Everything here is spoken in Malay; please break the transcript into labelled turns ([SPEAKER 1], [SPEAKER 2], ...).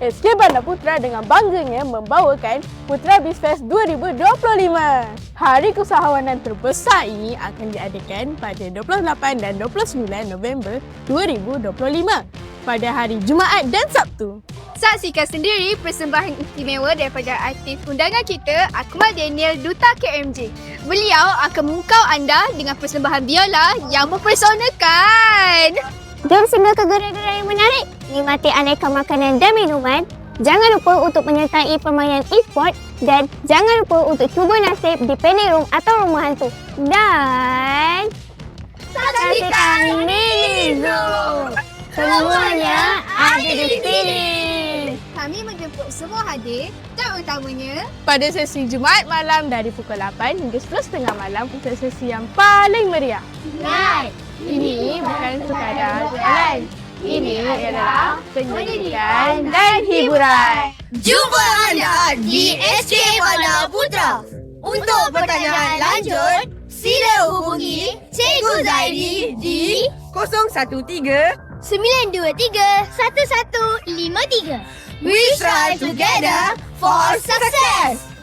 [SPEAKER 1] SK Bandar Putra dengan bangganya membawakan Putra BizFest 2025. Hari Keusahawanan terbesar ini akan diadakan pada 28 dan 29 November 2025 pada hari Jumaat dan Sabtu.
[SPEAKER 2] Saksikan sendiri persembahan istimewa daripada artis undangan kita, Akmal Daniel, Duta KMJ. Beliau akan memukau anda dengan persembahan biola yang mempersonakan.
[SPEAKER 3] Jom singgah ke gerai-gerai yang menarik, nikmati aneka makanan dan minuman. Jangan lupa untuk menyertai permainan e-sport dan jangan lupa untuk cuba nasib di panic room atau rumah hantu. Dan saksikan Mini Zoo. Semuanya ada di sini.
[SPEAKER 2] Kami menjemput semua hadir dan utamanya
[SPEAKER 1] Pada sesi Jumaat malam dari pukul 8 hingga 10.30 malam untuk sesi yang paling meriah.
[SPEAKER 3] Right.
[SPEAKER 1] Ini bukan sekadar jalan. Ini adalah pendidikan dan hiburan.
[SPEAKER 4] Jumpa anda di SK Bandar Putra. Untuk pertanyaan lanjut, sila hubungi Cikgu Zaidi di
[SPEAKER 2] 013 923 1153.
[SPEAKER 4] We Strive Together for Success.